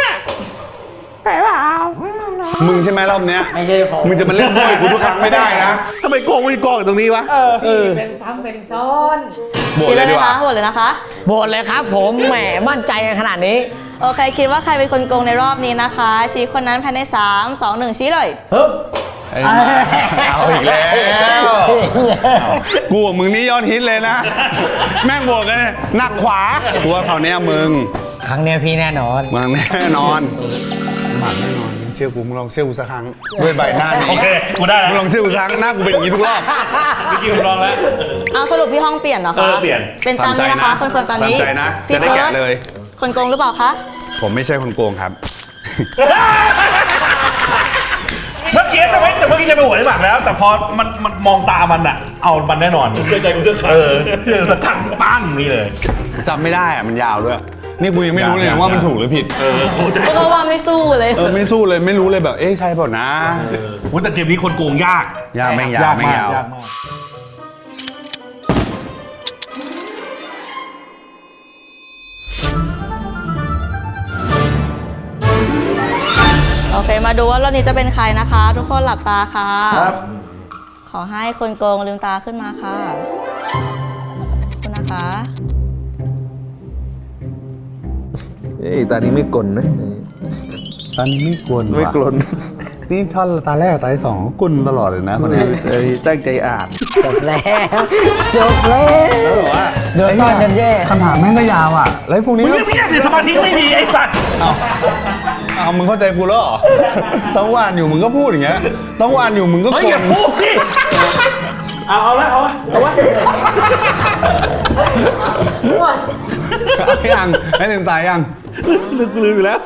S1: มึงใช่ไหมรอบเนี้ย
S2: ไม่ใช่ผม
S1: มึงจะมาเล่นบ่อยกูทุกครั้งไม่ได้นะ
S3: ทำไมโกงมีกองอยู่ตรงนี้วะเออ
S2: เป็นซ้ำเป็นซ้อน
S1: โบด
S4: คิด
S1: เล
S4: เลย ย
S1: ดี
S4: นะ
S1: กว่า
S4: คะโหวตเลยนะคะ
S2: โบนเลยครับผมแหมมั่นใจกันขนาดนี้
S4: โอเค คิดว่าใครเป็นคนโกงในรอบนี้นะคะ ชี้คนนั้นภายในสาม สอง หนึ่งชี้เลย
S1: เอ้ยเอาอีกแล้วกูกับมึงนี่ยอดฮิตเลยนะ แม่งบวกกันหนักขวากูว่าคราวเนี้ยมึง
S2: ครั้งเนี้ยพี่แน่นอน
S1: มึงแน่นอนหมักแน่นอนเชื่อกูมึงลองเชื่อกูสักครั้งด้วยใบหน้านี้
S3: โอเคกูได้แล้ว
S1: มึงลองเชื่อกูสักครั้งหน้ากูเป็นอย่างนี้ทุกรอบ
S3: เมื่อกี้ผมลองแล้ว
S4: เอาสรุปพี่ห้องเปลี่ยนเหรอคะ
S3: เออเปลี่ยน
S4: เป็นตามนี้นะคะ คอนเฟิร์มตามนี้
S1: ตามใจนะ
S4: พี่
S1: จะได้แกะ
S4: ติร์ด
S1: เลย
S4: คนโกงหรือเปล่าคะ
S1: ผมไม่ใช่คนโกงครับ
S3: เมื่อกี้จะไม่แต่เมื่อกี้จะไปหัวได้หมักแล้ว แต่พอมันมันมองตามันอะเอามันแน่นอนเชื่อใจกูเชื่อเออเชื่อสักทังปั้งนี่เลย
S1: จำไม่ได้อะมันยาวด้วย นี่กูยังไม่รู้เลยนะว่ามันถูกหรือผิด
S3: เออโคตร
S4: ก็ว่าไม่สู้เลย
S1: เออไม่สู้เลยไม่รู้เลยแบบเอ๊ะใช่เปล่านะ
S3: วุ้แต่เกมนี้คนโกงยาก
S1: ยากไม่งยาวไม่งยาว
S3: ยากมาก
S4: โอเค มาดูว่ารอบนี้จะเป็นใครนะคะ ทุกคนหลับตาค่ะ ขอให้คนโกงลืมตาขึ้นมาค่ะขอบคุณนะคะ
S5: เอ้ยตานี้ไม่กลนนะ
S1: ตอนนี้ไม่กวน
S5: ไม่กลน
S1: นี่ท่อนตาแรกตาที่สองกุนตลอดเลยนะคนนี้
S5: เอ้ยตั้งใจอ่าน
S2: จบแล้วจบแล้ว
S1: แล้วบอกว่า
S2: เดี๋ยวต้อนจนแย่
S1: คำถามแม่งก็ยาวอ่ะ แล้วพวกนี้
S3: มึงเงียบๆเดี๋ยวสมาธิไม่มีไอ้สัตว์
S1: เอาเอามึงเข้าใจกูแล้วเหรอ ต้องวานอยู่มึงก็พูดอย่างเงี้ย ต้องวานอยู่มึงก็
S3: ไม่
S1: ก
S3: อย่า
S1: ด
S3: พูดสิเอาเอาละเอาละเอาละ
S1: เอายังให้ลืมตายัง
S3: ลืมลืมอยู่แล้ว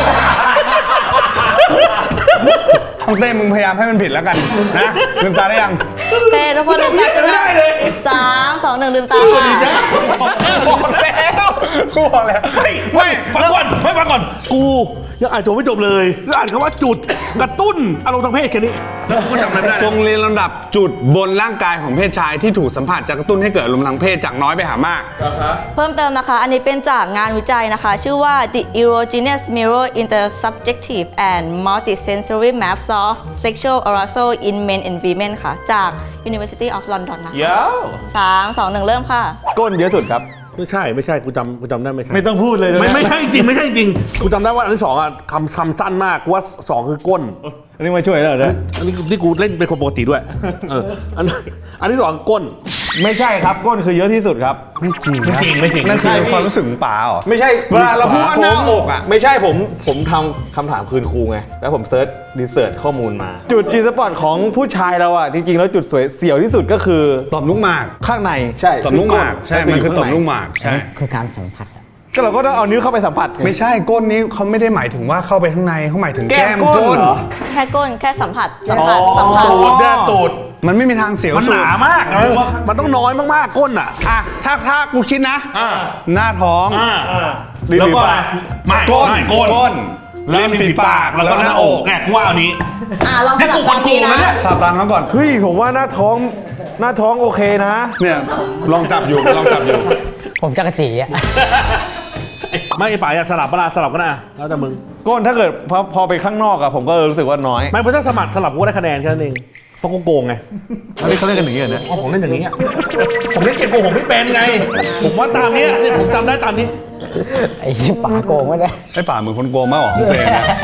S1: ต้องเต้มึงพยายามให้มันผิดแล้วกันนะลืมตาได้ยัง
S4: โอเค ทุกคนลืมตาขึ้น
S3: ไม่
S4: มา
S3: ได้เลย
S4: สามสองหนึ่งลืมตาค่ะ
S1: บอกแล้วกูบอกแล้ว
S3: ไม่ไม่ฟังก่อนไม่ฟังก่อน กูยังอ่านจบไม่จบเลยยังอ่านคำว่าจุดกระตุ้นอารมณ์ทางเพศแค่นี้แล้วกูจำอะไรไม่ได้
S1: จงเรียนลำดับจุดบนร่างกายของเพศชายที่ถูกสัมผัสจะกระตุ้นให้เกิดอารมณ์ทางเพศจากน้อยไปหามาก
S4: เพิ่มเติมนะคะ อันนี้เป็นจากงานวิจัยนะคะ ชื่อว่า The Erogenous Mirror Intersubjective and Multisensory Maps of Sexual Arousal in Men and Women ค่ะ จาก University of London นะคะ
S5: ยาว
S4: สามสองหนึ่งเริ่มค่ะ
S5: ก้นเยอะสุดครับ
S3: ไม่ใช่ไม่ใช่กูจำกูจำได้ไม่ใช่
S5: ไม่ต้องพูดเลยนะ
S3: ไม่ไม่ใช่จริงไม่ใช่จริงกูจำได้ว่าอันที่สองอ่ะคำคำสั้นมากกูว่าสองคือก้น
S5: อันนี้มาช่วยแล้วเหรอ
S3: อันนี้ที่กูเล่นเป็นคนปกติด้วยเอออันอันที่สองก้น
S5: ไม่ใช่ครับก้นคือเยอะที่สุดครับ
S1: ไม่จริง
S3: ไม่จริงไม่จริง
S1: นั่นคือความรู้สึกของป๋าเหรอ
S5: ไม่ใช่
S1: เวลาเราพูดว่าหน้าอกอ่ะ
S5: ไม่ใช่ผมผมทำคำถามคืนครูไง แล้วผมเซิร์ชรีเสิร์ชข้อมูลมา จุดจีสปอตของผู้ชายเราอ่ะ จริงๆ แล้วจุดสวยเสียวที่สุดก็คือ
S1: ต่อมลูกหมาก
S5: ข้างในใช่
S1: ต่อมลูกหมากใช่มันคือต่อมลูกหมากใช่
S2: คือการสัมผัสอะ
S5: ก็เราก็ต้องเอานิ้วเข้าไปสัมผัสไง
S1: ไม่ใช่ก้นนี้เขาไม่ได้หมายถึงว่าเข้าไปข้างในเขาหมายถึง
S5: แก้
S1: แก้
S5: ม
S1: ม
S5: ก้
S1: ก้
S5: น
S1: น
S5: เหรอ
S4: แค่ก้นแค่สัมผัส สัมผัส สัมผัส
S3: ตูดเนี่ยตูด
S1: มันไม่มีทางเสียว
S3: มัน
S1: สุ
S3: ห
S1: ด
S3: นามากเออมันต้องน้อยมากๆก้นอ่ะ
S1: อ่ะถ้าถ้ากูคิดนะ
S3: อ่า
S1: หน้าท้อง
S3: อ่า
S5: ลิ้น
S3: แล้ว
S5: ฝี
S3: ก็
S5: ปาก
S3: ไม่
S1: ก้น
S3: ไม่ก้น
S1: ก้น
S3: แล้ว
S1: ริมฝีปากแล้วก็หน้าอก
S3: แกกูว่าเอานี้
S4: อ่ะลองส
S3: นี่
S4: ลั
S3: กู
S4: บ
S3: ค
S4: ตาน ม
S3: โก
S4: นี้
S3: งนะ
S4: นะ
S3: เนี่ย
S1: ขับตามเขาก่อน
S5: เฮ้ยผมว่าหน้าท้องหน้าท้องโอเคนะ
S1: เนี่ยลองจับอยู่ลองจับอยู่
S2: ผมจักรจีอะ
S3: ไม่ไอ้ป๋าอยากสลับเวลาสลับก็นะแล้วแต่มึง
S5: ก้นถ้าเกิดพอพอไปข้างนอกอะผมก็รู้สึกว่าน้อย
S3: ไม่เพราะถ้าสมัครสลับกูก็ได้คะแนนแค่นั้นเองเพราะกูโกงไง
S1: อันนี้เขาเล่นกันอย่างนี้เหรอเนี่ย
S3: อ๋อผมเล่นอย่างนี้อะผมเล่นเกมโกงผมไม่เป็นไง ผมว่าตามนี้เนี่ยผมจำได้ตามนี้
S2: ไอ้ชิบป๋าโกงไม่ได้
S1: ไอ้ป่าเหมือนคนโกงมากกว่าของตัวเองนะ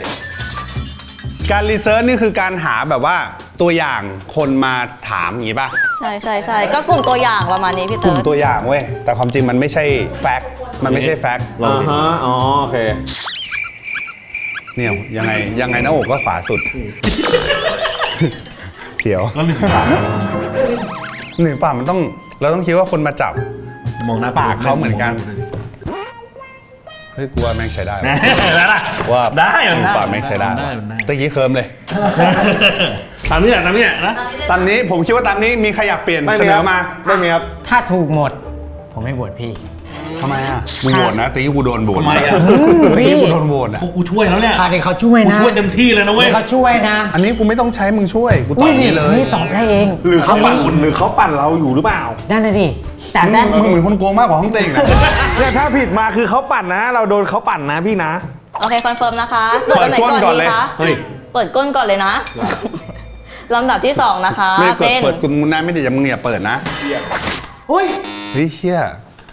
S1: การรีเสิร์ชนี่คือการหาแบบว่าตัวอย่างคนมาถามอย่างนี้ป่ะ
S4: ใช่ใช่ใช่ก็กลุ่มตัวอย่างประมาณนี้พี่
S1: กลุ่
S4: เติ
S1: ม
S4: ร์ด
S1: ตัวอย่างเว้ยแต่ความจริงมันไม่ใช่แฟกต์มันไม่ใช่แฟกต์
S5: อ่าฮะ อ๋อ โอเค
S1: เนี่ยยังไงยังไงหน้าอกก็ขวาสุด เสียว
S3: แล้วมีปาก
S1: หนึ่งป่ามันต้องเราต้องคิดว่าคนมาจับ
S3: มองหน้า
S1: ปากเขาเหมือนกัน เฮ้ยกูว่าแม่งใช้ได้ว่ะ
S3: แล้วล่ะ
S1: ว่า
S3: ได้มันได้
S1: ปากแม่งใช้ได้
S3: มันได้มันได้
S1: ตะกี้เคิร์มเลย
S3: ตามนี้แหละตามนี้แหละนะ
S1: ตามนี้ผมคิดว่าตามนี้มีใครอยากเปลี่ยน
S5: ไม่
S1: เส
S5: มี
S1: น
S5: ครั
S1: อบ มา
S5: ไม่มีครับ
S2: ถ้าถูกหมด ผมไม่บวชพี่
S1: ทำไมอ่ะมึงโหวตนะตีกูโดนโหวต
S3: ทำไมอ่ะ
S1: ตีกูโดนโหวตอ่ะ
S3: กูกูช่วยแล้วเนี่ย
S2: ค่ะเดี๋ยวเขาช่วย
S3: กู
S2: นะ
S3: ช่วยเต็มที่เลยนะเว้ย
S2: เดี๋ยวเขาช่วยนะ
S1: อันนี้กูไม่ต้องใช้มึงช่วยกูตอ
S2: อุ้
S1: บ
S2: ยนี่
S1: นี่เลย
S2: นี่ตอบได้เอง
S5: หรือเขาปั่นหรือเขาปั่นเราอยู่หรือเปล่า
S2: นั่นน่ะดิแต่แต่
S1: มึงเหมือนคนโกงมากกว่าห้องเต็งนะ
S5: เนี่ยถ้าผิดมาคือเขาปั่นนะ เราโดนเขาปั่นนะพี่นะ
S4: โอเคคอนเฟิร์มนะคะ เปิดอันไหนก่อน
S1: เปิดก้นก่อน
S4: ดี
S1: เลย
S4: คะ
S3: เฮ้ย
S4: เปิดก้นก่อนเลยนะ ลำดับที่สองนะคะ
S1: ไม่เปิด
S4: เป็น
S1: เปิดกูมึงนะไม่ได้จะมึงอย่าเปิดนะ
S5: อุ้ย
S1: เฮ้ยเฮีย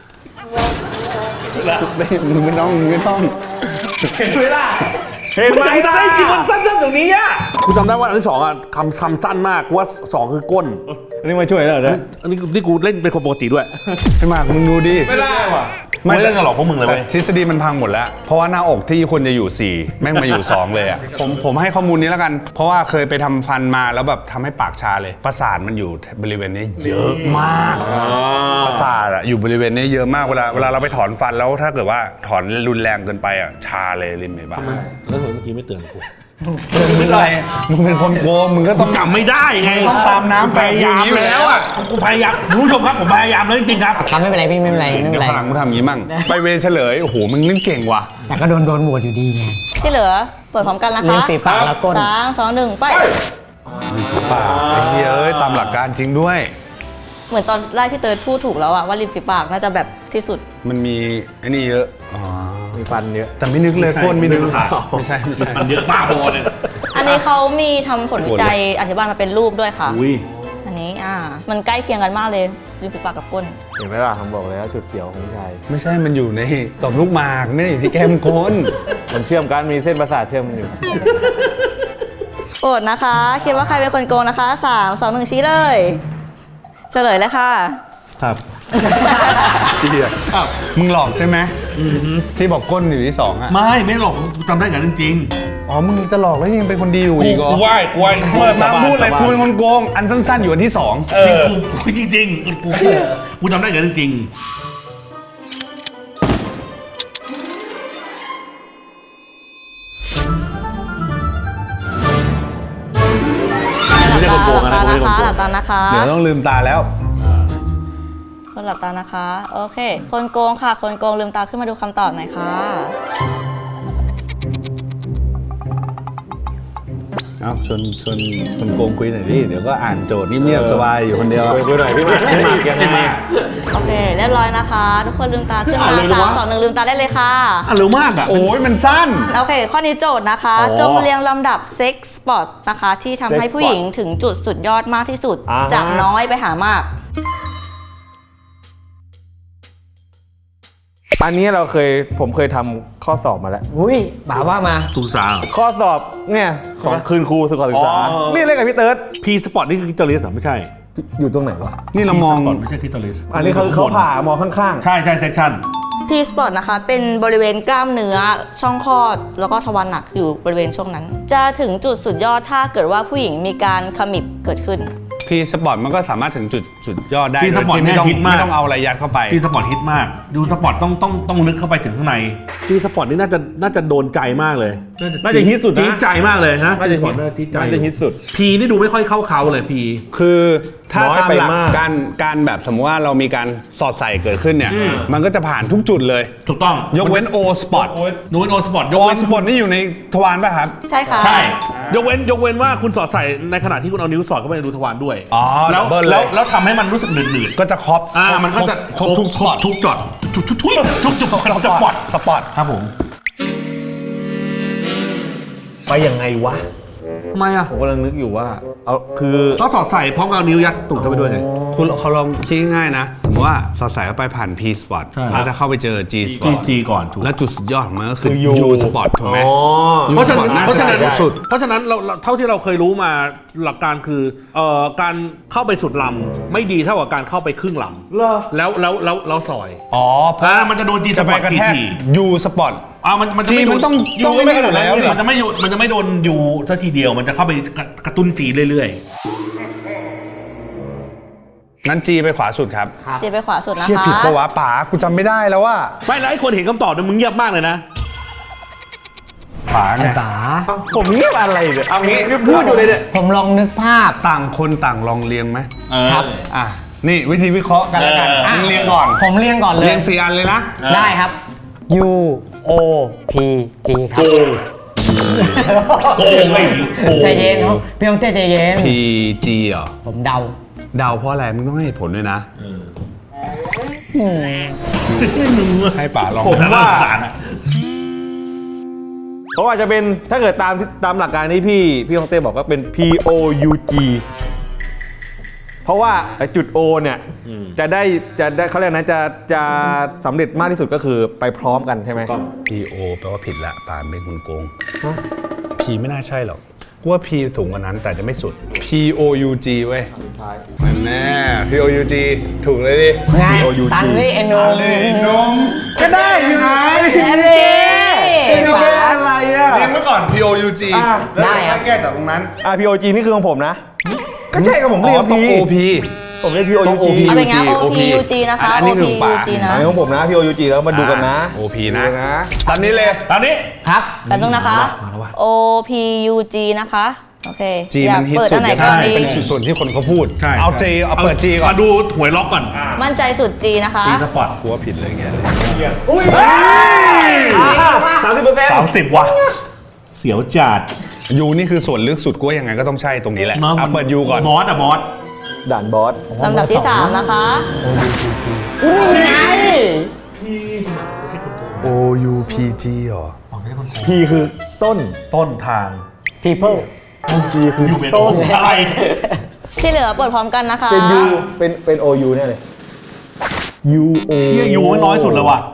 S1: ไม่มึงไม่ต้องมึงไม่ต้อง
S5: เห็นไหมล่ะเห็นไหม
S3: มันจำได้จริงมัน
S5: สั้นๆตรงนี้อ่ะ
S3: กูจำได้ว่าอันที่สองอ่ะคำคำสั้นมากกูว่าสองคือก้น
S5: อันนี้มาช่วยแล้วเหรอ
S3: อันนี้นี่กูเล่นเป็นคนปกติด้วย
S1: ไอ้หมากมึงดูดิ
S5: ไม่ได้ว่ะ
S3: ไม่เล่นกันหรอกพวกมึงเลย
S1: แต่
S3: เว้ย
S1: ทฤษฎีมันพังหมดแล้ว เพราะว่าหน้าอกที่ควรจะอยู่สี่แม่งมาอยู่สองเลยอ่ะผมผมให้ข้อมูลนี้แล้วกัน เพราะว่าเคยไปทำฟันมาแล้วแบบทำให้ปากชาเลย ประสาทมันอยู่บริเวณนี้เยอะมาก ประสาทอะอยู่บริเวณนี้เยอะมากเวลาเวลาเราไปถอนฟันแล้วถ้าเกิดว่าถอนรุนแรงเกินไปอ่ะชาเลยริมเห็นปะ
S3: แล้วเมื่อกี้ไม่เตือนกู
S1: มึงอะไรมึงเป็นคนโกงมึงก็ต้อง
S3: จำไม่ได้ไง
S1: ต้องตามน้ำ
S3: พยายามแล้วอ่ะกูพยายามคุณผู้ชมครับผมพยายามแล้วจริงๆครับ
S2: ทำไม่เป็นไรพี่ไม่เป็นไรไม่เป็
S1: เดี๋ย
S2: น
S1: ว
S2: ไร
S1: ข้างหลังกูทำอย่างนี้มั่งไปเวรเฉลยโอ้โหมึงนี่เก่งว่ะ
S2: แต่ก็โดนโดนโหวตอยู่ดีไง
S4: ที่เหลือ เปิดพร้อมกันนะ
S2: เลี้ย
S4: คะ
S2: งฝีปากแล้วก้น
S4: สามสองหนึ่งไป
S1: ป่ากไอ้เหี้ยเอ้ยตามหลักการจริงด้วย
S4: เหมือนตอนแรกที่เติร์ดพูดถูกแล้วอะว่าริมฝีปากน่าจะแบบที่สุด
S1: มันมีไอ้นี่เยอะอ๋อ
S5: มีฟันเยอะ
S1: แต่ไม่นึกเลยก้นไม่นึกไม่ใช่ไม่ใช่
S3: มันเยอะบ้าบอเลย
S4: อันนี้เขามีทำผลวิจัยอธิบายมาเป็นรูปด้วยค่ะ
S3: อุ้ย
S4: อันนี้อ่า มันใกล้เคียงกันมากเลยริมฝีปากกับก้น
S5: เห็นไหมล่ะผมบอกแล้วจุดเสียวของผู้ชาย
S1: ไม่ใช่มันอยู่ในต่อมลูกหมากไม่ได้อยู่ที่แก้มก้น
S5: มันเชื่อมกันมีเส้นประสาทเชื่อมกันอยู่
S4: โอดนะคะ คิดว่าใครเป็นคนโกงนะคะสามสองหนึ่งชี้เลย เฉลยเลยค่ะ
S3: ครับ
S1: เชี่ยมึงหลอกใช่ไหมที่บอกก้นอยู่ที่สองอ่ะ
S3: ไม่ไม่หรอกกูจำได้กันจริง
S1: อ๋อมึงจะหลอกแล้วยังเป็นคนดีอยู่
S3: ๆกู
S1: อีกเหรอ
S3: กูไหว้กูไหว้
S1: เปิดมาพูดเลยกูเป็นคนโกงอันสั้นๆอยู่อันที่สอง
S3: เออกูกูจริงๆกูกูกูจำได้กันจริงๆไม่ใช่คนโกง
S4: หลั
S3: นะ
S4: บ
S3: ไม่
S4: ตา
S3: ใช่
S4: นะ
S3: คนโกง
S4: คะหลับตานะคะ
S1: เดี๋ยวต้องลืมตาแล้ว
S4: คนหลับตานะคะ โอเค คนโกงค่ะ คนโกงลืมตาขึ้นมาดูคำตอบหน่อยค่ะ
S1: เอาชวนชวนคนโกงคุยหน่อยดิเดี๋ยวก็อ่านโจทย์เงียบๆสบายอยู่คนเดียว
S5: คุยคุยหน่อยพี่หมากพี่หมากยังไง
S4: โอเค เรียบร้อยนะคะ ทุกคนลืมตาขึ้น
S3: อ่ะ
S4: มา
S3: เร็ว
S4: สาม
S3: วะ
S4: สองหนึ่งลืมตาได้เลยค่ะ
S3: อ่ะเร็วมากอ่ะ
S1: โอ้ยมันสั้น
S4: โอเค ข้อนี้โจทย์นะคะ
S3: อ๋อ
S4: จงเรียงลำดับเซ็กส์สปอร์ตนะคะ ที่ทำให้
S5: Sex
S4: ผู้หญิงถึงจุดสุดยอดมากที่สุด
S5: อ่าฮะ
S4: จากน้อยไปหามาก
S5: อันนี้เราเคยผมเคยทำข้อสอบมาแล้ว
S2: อุ้ยบ่าว่ามา
S3: ถูกสาว
S5: ข้อสอบเนี่ยของคืนครูสุขศึกษา
S3: อ๋อ
S5: นี่เล่นกับพี่เติร์ด
S3: พีสปอร์ตนี่คือกิตาลิสเหรอไม่ใช่
S5: อยู่ตรงไหนวะ
S1: นี่เรามอง
S3: ก่อนไม่ใช่กิตาลิส
S5: อันนี้เขาเขาผ่ามองข้าง
S3: ใช่ใช่เซสชั่น
S4: T spot นะคะ เป็นบริเวณกล้ามเนื้อช่องคลอด แล้วก็ทวารหนักอยู่บริเวณช่วงนั้น จะถึงจุดสุดยอดถ้าเกิดว่าผู้หญิงมีการขมิบเกิดขึ้น
S1: พีสปอร์ตมันก็สามารถถึงจุดสุดยอดได้
S3: พี
S1: โด
S3: ส
S1: ย
S3: ปอร์ต
S1: ที่
S3: เนี่
S1: ไม่
S3: ย
S1: ต้อง
S3: ฮิตมาก
S1: ไม่ต้องเอาอะไรยัดเข้าไป
S3: พีสปอร์ตฮิตมาก ดูสปอร์ตต้องต้องต้องลึกเข้าไปถึงข้างในพีสปอร์ตนี่น่าจะน่าจะโดนใจมากเลย
S5: ๆน่าจะฮิตสุดนะ
S3: จี๊ดใจมากเลยนะ
S5: น่าจะฮิต
S3: น่าจะจี๊ดใจ
S5: น่าจะฮิตสุด
S3: พีนี่ดูไม่ค่อยเข้าเขาเลยพี
S1: คือถ้า
S5: น้อย
S1: ตาม
S5: ไป
S1: หลัก
S5: มาก
S1: การการแบบสมมติว่าเรามีการสอดใส่เกิดขึ้นเนี่ย มันก็จะผ่านทุกจุดเลย
S3: ถูกต้อง
S1: ยกเว้น O spot
S3: ยกเว้นโอสปอร์ตยก
S1: O
S3: เว้น
S1: spot นี่อยู่ในทวารป่ะครับ
S4: ใช่ค่ะ
S3: ใช่ยกเว้นยกเว้นว่าคุณสอดใส่ในขณะที่คุณเอานิ้วสอดเข้าไปในรูทวารด้วย
S1: อ๋อ
S3: แล้ว
S1: double เลย
S3: แล้วแล้วทำให้มันรู้สึกหนืดหนืด
S1: ก็จะครอบ
S3: อ่ามันก็จะ
S1: ครบทุกสปอต
S3: ทุกจอดทุกทุกทุกทุกจุด
S1: ส
S3: สปอร์ต
S1: สปอต
S3: ครับผม
S5: ไปยังไงวะ
S3: ทำไมอ่ะ
S5: ผมกำลังนึกอยู่ว่าเอาคือ
S3: ก็สอดใส่พร้อมกับเอานิ้วยัดตูดเข้าไปด้วยไง
S1: คุณเขาลองคิดง่ายๆนะสมมติว่าสอดใส่เข้าไปผ่าน P spot
S3: ใช่
S1: แล้วจะเข้าไปเจอ G
S3: จี
S1: spot
S3: จีก่อนถูก
S1: แล้วจุดสุดยอดของมันก็คือ
S5: คือ U
S1: U spot ถูกไหม
S5: อ๋อ
S3: เพราะฉะนั้น
S1: น่า
S3: เพราะ
S1: จะ
S3: ฉะนั้น
S1: สูงสุด
S3: เพราะฉะนั้นเราเราเท่าที่เราเคยรู้มาหลักการคือเอ่อการเข้าไปสุดลำไม่ดีเท่ากับการเข้าไปครึ่งล
S5: เหรอ
S3: ำแล้วแล้วแล้วแล้วซอย
S1: อ๋อเพราะ
S3: อ่ามันจะโดนจีส
S1: จะ
S3: ป
S1: ไป
S3: อร์ต
S1: กระ
S3: ที
S1: แทก
S3: ที
S1: U spot
S3: อ่ามันมันจะไม่
S1: G มันต้อง
S3: ยู
S1: ต้อง
S3: ไม่
S1: ไม่
S3: ไม่
S1: ได้อยู่แล้ว
S3: มันจะไม่อยู่มันจะไม่โดนยูซะทีเดียวมันจะเข้าไปกระกระตุ้นจีเรื่อย
S1: งั้น G ไปขวาสุดครับ
S4: เจไปขวาสุดนะ
S1: เชี่ย
S4: คะ
S1: ผิดปะวะป๋ากูจำไม่ได้แล้วว่า
S3: ๆไม่แล้วไอ้คนเห็นคำตอบเนี่ยมึงเงียบมากเลยนะ
S1: ป๋า
S2: ไอ้
S1: ไง
S2: ป๋า
S5: ผมเงียบอะไรเนี่ย
S1: เอางี้
S5: พูดอยู่เลยเนี่ย
S2: ผมลองนึกภาพ
S1: ต่างคนต่างลองเรียงไหม
S2: ครับ
S1: อ่ะนี่วิธีวิเคราะห์กันแล้วกัน
S3: เออ
S1: มึงเรียงก่อน
S2: ผมเรียงก่อนเลย
S1: เรียงสี่อันเลยนะ
S2: ได้ครับ U O P G ครับ
S3: โกงโกงไม่ดีโกง
S2: ใจเย็นครับพี่ต้องเต้ใจเย็น
S1: P G เหรอ
S2: ผมเดา
S1: เดาเพราะอะไรมึงต้องให้เหตุผลด้วยนะ ให้ป่าลอง
S5: ผมว่า
S3: จานอะ
S5: เพราะว่าจะเป็นถ้าเกิดตามตามหลักการที่พี่พี่ฮองเต้บอกก็เป็น P O U G เพราะว่าไอ้จุด O เนี่ยจะได้จะได้เขาเรียกนะจะจะสำเร็จมากที่สุดก็คือไปพร้อมกันใช่ไหม
S1: P O แปลว่าผิดละป่าเป็นคนโกง P ไม่น่าใช่หรอกกูว่า P สูงกว่านั้นแต่จะไม่สุด P O U G เว้ยมันแน่ P O U G ถูกเลยดิ
S2: ไงตันนี่เอ็นโน
S1: นมก็ได้ยังไง
S2: แอนนี่
S5: อะไรอ่ะ
S1: เรียงไว้ก่อน P O U G
S5: อ่ะ
S2: ได้ครับ
S1: แก้จากตรงนั้น
S5: อ่ะ P O G นี่คือของผมนะ ก็ใช่กับผม
S1: อ๋
S5: เรีย
S1: อก ต้อง
S5: P
S1: O P
S5: ผมเรียก P O
S1: ต้
S5: U
S1: อง
S5: G
S1: O P
S4: เอาเป็นไง
S1: O
S4: O P U G นะคะ
S1: อันนี้
S4: O
S1: คื
S4: P
S1: อป่า
S4: U G นะ
S5: อันนี้ของผมนะ P O U G แล้วมาดูกันนะ
S1: O P นะ
S5: ดูนะ
S1: ตอนนี้เลย
S3: ตอนนี้
S2: ครับ
S4: แป๊บนึงนะคะ O P U G นะคะ โอเค
S1: G
S4: อยา
S1: มั
S4: ก
S1: นฮิต
S4: เปิด
S1: สุ
S4: อั
S1: ด
S4: นไหน
S1: เลย
S4: ก่อน
S1: นะ
S4: ดี
S1: เป็นส่วนที่คนเขาพูด
S3: ใช่
S1: เอา G เอาเปิด G ก่อน
S3: มาดูหวยล็อกก่อน
S4: มั่นใจสุด G นะคะ
S3: จีสปอร์ต
S1: กลัวผิดเลยเงี้ย
S5: สามสิบเปอร์เซ็นต์
S3: สามสิบว่ะเสียวจัด
S1: ยูนี่คือส่วนลึกสุดกูว่ายังไงก็ต้องใช่ตรงนี้แหละเอาเปิดยูก่อน
S3: บอสอะบอส
S5: ด่านบอส
S4: ลำดับที่ สาม นะคะ
S1: O U P G เหรอ
S5: P คือต้น
S3: ต้นทาง
S2: people
S5: G คือ
S3: อยู่เป็น
S5: ต้น
S3: อะไร
S4: ที่เหลือเปิดพร้อมกันนะคะ
S5: เป็น U เป็นเป็น O U เนี่ยเลย U O
S3: เฮียยูไม่น้อยสุดเลยว่ะ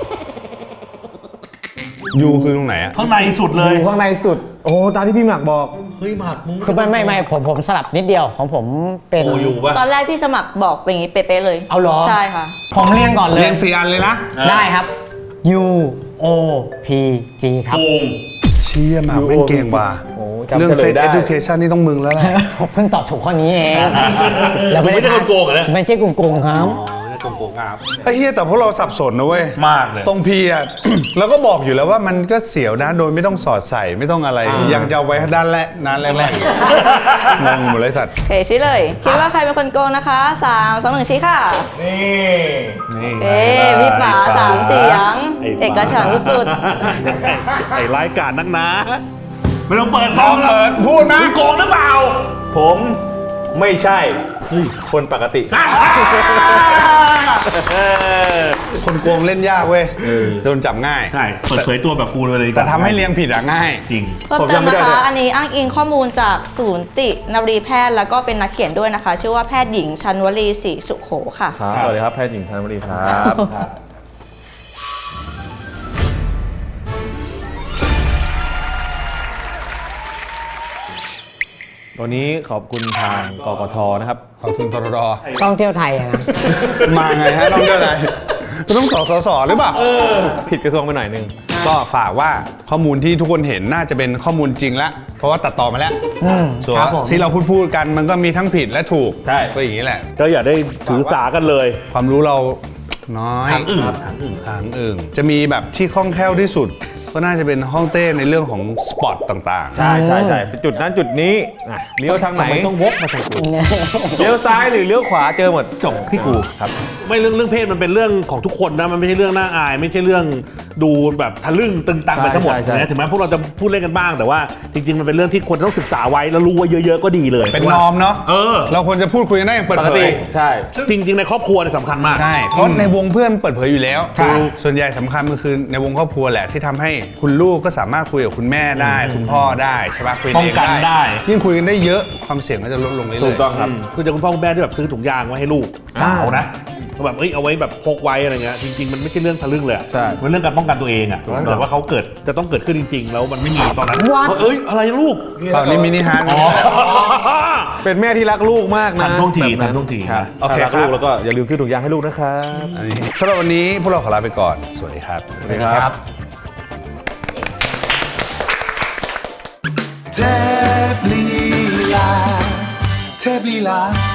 S1: ยูคือตรงไหนอะ
S3: ข้างในสุดเลย
S5: อยู่ข้างในสุด โอ้ตามที่พี่หมักบอก
S3: เฮ้ยหมากมึง
S2: คือไม่ไม่ไม่ผมผมสลับนิดเดียวของผมเป็น
S3: โอยูป่ะ
S4: ตอนแรกพี่สมัครบอกเป็นอย่างนี้เป๊ะๆเลย
S2: เอาเหรอ
S4: ใช่ค่ะ
S2: ผมเรียงก่อนเลย
S1: เรียงสี่อันเลยนะ
S2: ได้ครับ U O P G ครับ
S3: โกง
S1: เชี่ยหมากแม่งเก่งว่ะ
S5: โอ้จำ
S1: เรื่อง
S5: เฉล
S1: เซ็
S5: ย
S1: ต
S5: ได้
S1: education นี่ต้องมึงแล้วแหละ
S2: ผมเพิ่งตอบถูกข้อนี้เอง
S3: ไม่ได้โกงเหรอเนี่ย
S2: ไม่ใช่โกงๆครับ
S3: ไม่ได้โกงครับ
S1: ไอ้เฮียแต่พวกเราสับสนนะเว้ย
S3: มากเลย
S1: ตรงพีอ่ะ เราก็บอกอยู่แล้วว่ามันก็เสียวนะโดยไม่ต้องสอดใส่ไม่ต้องอะไร ยังจะเอาไว้ด้านแรกด้านแรกๆงงหมดเลยสัตว์
S4: โอเคชี้เลย คิดว่าใครเป็นคนโกงนะคะสามสองหนึ่งชี้ค่ะ
S5: นี่
S3: นี่
S4: โอเคพี่ป๋าสามเสียง
S3: ไ
S4: เอกฉันท์ที่สุด
S3: ไอ้รายการนักนะไม่ต้องเปิดซ
S1: ต้
S3: อ
S1: อง ง
S3: แล้ว
S1: เปิดพูดนะ
S3: มึงโกงหรือเปล่า
S5: ผมไม่ใช่คนปกติ
S1: คนโกงเล่นยากเว้ยโดนจับง่าย
S3: ใช่เปิดเผยตัวแบบกูเลยดีกว่า
S1: แต่ทำให้เรียงผิดอะง่าย
S3: จริง
S4: เพิ่ม
S5: ผม
S4: เติม
S5: จำไม่
S4: นะ
S5: ได้
S4: คะ
S5: เลย
S4: อันนี้อ้างอิงข้อมูลจากศูนย์ตินรีแพทย์แล้วก็เป็นนักเขียนด้วยนะคะ ชื่อว่าแพทย์หญิงชันวลีศรีสุโขค่ะ
S5: ครับสวัสดีครับแพทย์หญิงธัญบุรีครับ วันนี้ขอบคุณทางกกทนะครับ
S1: ขอบคุณตรด
S2: ต้องเที่ยวไทยอะนะ
S1: มาไงฮะต้องเรื่องอะไรคุณต้องสอสอสอหรือเปล่า
S5: ผิดกระทรวงไปหน่อยนึง
S1: ก็ฝากว่าข้อมูลที่ทุกคนเห็นน่าจะเป็นข้อมูลจริงแล้วเพราะว่าตัดต่อมาแล้ว
S2: อืม
S1: ส่วน
S2: ครับผม
S1: ที่เราพูดพูดกันมันก็มีทั้งผิดและถูก
S5: ใช่
S1: ก็อย่างนี้แหละ
S3: ก็อย่าได้ถือสากันเลย
S1: ความรู้เราน้อย
S3: หางอึ่งหางอึ่ง
S1: หางอึ่งจะมีแบบที่คล่องแคล่วที่สุด ก็น่าจะเป็นห้องเต้ในเรื่องของสปอตต่าง
S5: ใช่ใช่ใช่เป็นจุดนั้นจุดนี้อ่ะเลี้ยวทางไหน
S3: ทำไมต้องวกมาทางกู
S5: เลี้ยวซ้ายหรือเลี้ยวขวาเจอหมด
S3: จบที่กู
S5: ครับ
S3: ไม่เรื่องเรื่องเพศมันเป็นเรื่องของทุกคนนะมันไม่ใช่เรื่องน่าอาย ไม่ใช่เรื่องดูแบบทะลึ่งตึงตังไปทั้งหมด
S5: ใช่ใช่
S3: นะถึงแม้พวกเราจะพูดเล่นกันบ้างแต่ว่าจริง ๆ มันเป็นเรื่องที่คนต้องศึกษาไว้แล้วรู้ไว้เยอะ ๆ ก็ดีเลย
S1: ๆ เป็นนอมเนาะ
S3: เออ
S1: เราควรจะพูดคุยกันได้อย่างเปิด
S5: ปก
S1: เผ
S5: ติ
S1: ย
S5: ใช่
S3: จริง ๆ ในครอบครัวเนี่ยสำคัญมาก
S1: ใช่เพราะในวงเพื่อนเปิดเผยอยู่แล้ว
S3: ใช่
S1: ส่วนใหญ่สำคัญมันคือในวงครอบครัวแหละที่ทำให้คุณลูกก็สามารถคุยกับคุณแม่ได้ คุณพ่อได้ใช่ปะคุย
S3: ป้องกันได้
S1: ยิ่งคุยกันได้เยอะความเสี่ยงก็จะลดลงเรื่อยๆ
S5: ถูกต้องครับ
S3: คือจะคุณพ่อคุณแม่ที่แบบซื้อถุงยางไว้ให้ลูกสาวนะแบบเอ้ยเอาไว้แบบพกไว้อะไรเงี้ยจริง ๆ มันไม่ใช่เรื่องทะลึ่งเลยอะ
S5: ใช่
S3: มันเรื่องการป้องกันตัวเองอะแต่ว่าเขาเกิดจะต้องเกิดขึ้นจริง ๆ แล้วมันไม่มีตอนนั้น
S2: What?
S3: เอ้ยอะไรลูก
S1: เปล่านี่มินิฮาร์ด
S3: อ๋อ
S5: เป็นแม่ที่รักลูกมากนะ
S3: ทันท่วงที
S5: แบบ
S3: ทันท่วงที
S5: ครับ
S1: โอเค
S5: ถ้ารัก
S1: ครับ
S5: ลูกแล้วก็อย่าลืมซื้อถุงยางให้ลูกนะครับ
S1: อันนี้สำหรับวันนี้พวกเราขอลาไปก่อน สวัสดีครับ
S5: สวัสดีครับ
S6: เทพลีลาเทพลีลา